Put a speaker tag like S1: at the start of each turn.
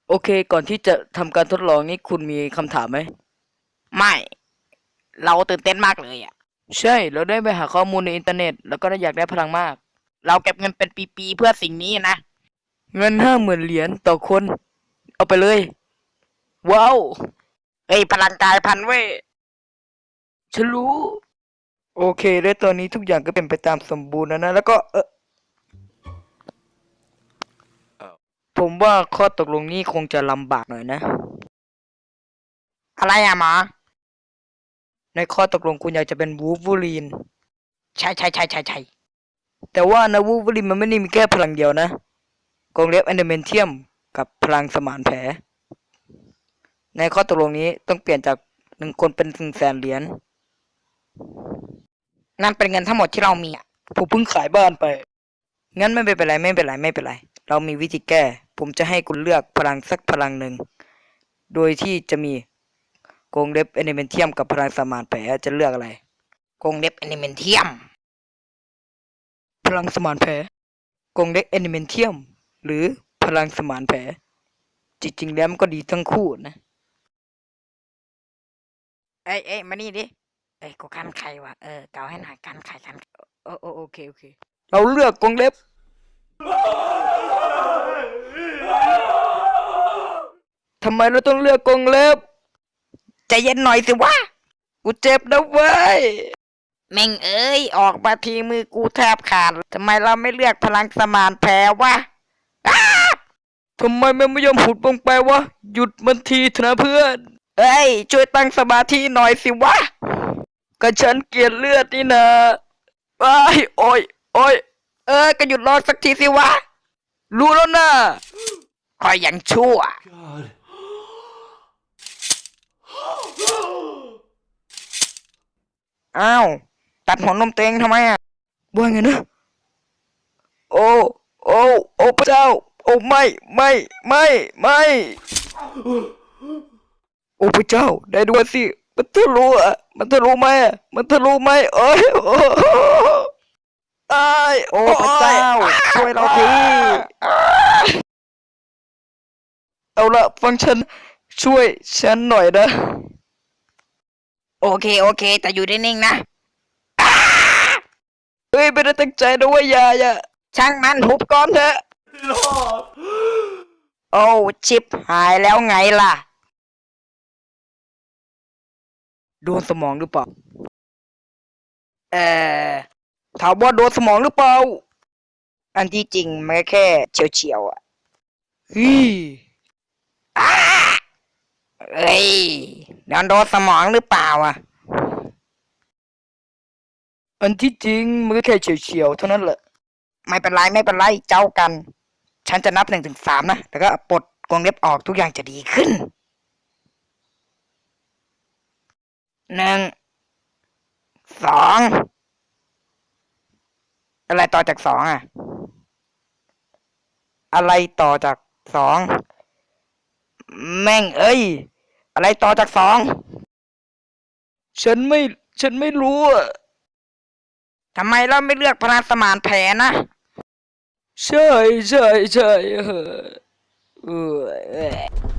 S1: โอเคก่อนที่จะทำการทดลองนี้คุณมีคำถามไหม
S2: ไม่เราตื่นเต้นมากเลยอ่ะ
S1: ใช่เราได้ไปหาข้อมูลในอินเทอร์เน็ตแล้วก็ได้อยากได้พลังมาก
S2: เราเก็บเงินเป็นปีๆเพื่อสิ่งนี้นะ
S1: เงิน50,000 เหรียญต่อคน เอาไปเลย ว้าว
S2: เฮ้ยพลังกายพันธุ์เว้ย
S1: ฉันรู้ โอเคและตอนนี้ทุกอย่างก็เป็นไปตามสมบูรณ์แล้วนะ แล้วก็ผมว่าข้อตกลงนี้คงจะลำบากหน่อยนะ
S2: อะไรอะหมอ
S1: ในข้อตกลงคุณอยากจะเป็นวูล์ฟเวอรีน
S2: ใช่
S1: แต่ว่านะวูล์ฟเวอรีนมันไม่ได้มีแค่พลังเดียวนะกรงเล็บแอนิเมนเทียมกับพลังสมานแผล ในข้อตกลงนี้ต้องเปลี่ยนจาก1 คนเป็น100,000 เหรียญ
S2: นั่นเป็นเงินทั้งหมดที่เรามีอะ
S1: ผมเพิ่งขายบ้านไป งั้นไม่เป็นไรไม่เป็นไร เรามีวิธีแก้ ผมจะให้คุณเลือกพลังสักพลังหนึ่ง โดยที่จะมีกรงเล็บแอนิเมนเทียมกับพลังสมานแผลจะเลือกอะไร
S2: กรงเล็บแอนิเมนเทียม
S1: พลังสมานแผลกรงเล็บแอนิเมนเทียมหรือพลังสมานแผลจริงๆแล้วมันก็ดีทั้งคู่นะ
S2: เอ้ยมานี่ดิเอ้ยกูกันไข่ว่ะเกาให้หน่อยกันไข่
S1: โอเคเราเลือกกรงเล็บทำไมเราต้องเลือกกรงเล็บ
S2: ใจเย็นหน่อยสิวะ
S1: กูเจ็บนะเว้ย
S2: แม่งเอ้ยออกมาทีมือกูแทบขาดทำไมเราไม่เลือกพลังสมานแผลวะอ้า
S1: ทำไมมันไม่ยอมหุดลงไปวะ หยุดมันทีเถอะนะเพื่อน
S2: เอ้ยช่วยตั้งสมาธิหน่อยสิวะ
S1: ก็ฉันเกลียดเลือดนี่นะอ้ายโอ้ย
S2: ก็หยุดร้องสักทีสิวะ
S1: รู้แล้วนะ
S2: คอยอย่างชั่ว อ้าวตัดหัวนมตัวเองทำไมอ่ะ
S1: ว่าไงนะ โอ้โอ้พระเจ้า โอ้ไม่โอ้พระเจ้า ได้ด้วยสิ มันทะลุอ่ะมันทะลุไหมอ่ะมันทะลุไหมโอ้ยอ้าย
S2: โอ้พระเจ้าช่วยเราที
S1: เอาละฟังฉันช่วยฉันหน่อยนะ
S2: โอเคแต่อยู่นิ่งๆนะ
S1: เฮ้ยไม่ได้ตั้งใจนะเว่าอย่า
S2: ช่างมันหุบก่อนเถอะโอ้ชิบหายแล้วไงล่ะ
S1: โดนสมองหรือเปล่า
S2: เอ่อ
S1: ถามว่าโดนสมองหรือเปล่า
S2: อันที่จริงมันก็แค่เฉียวๆอ่ะ
S1: เฮ้ย
S2: เอ้ยโดนสมองหรือเปล่าอ่ะ
S1: อันที่จริงมันก็แค่เฉียวๆเท่านั้นแหละ
S2: ไม่เป็นไรเจ้ากัน ฉันจะนับ1 ถึง 3นะแล้วก็ปลดกรงเล็บออกทุกอย่างจะดีขึ้น 1 2อะไรต่อจาก2อ่ะ อะไรต่อจาก2แม่งเอ้ยอะไรต่อจาก2
S1: ฉันไม่รู้อ่ะ
S2: ทำไมเราไม่เลือกพลังสมานแผลนะ
S1: ใช่เออ
S2: เออ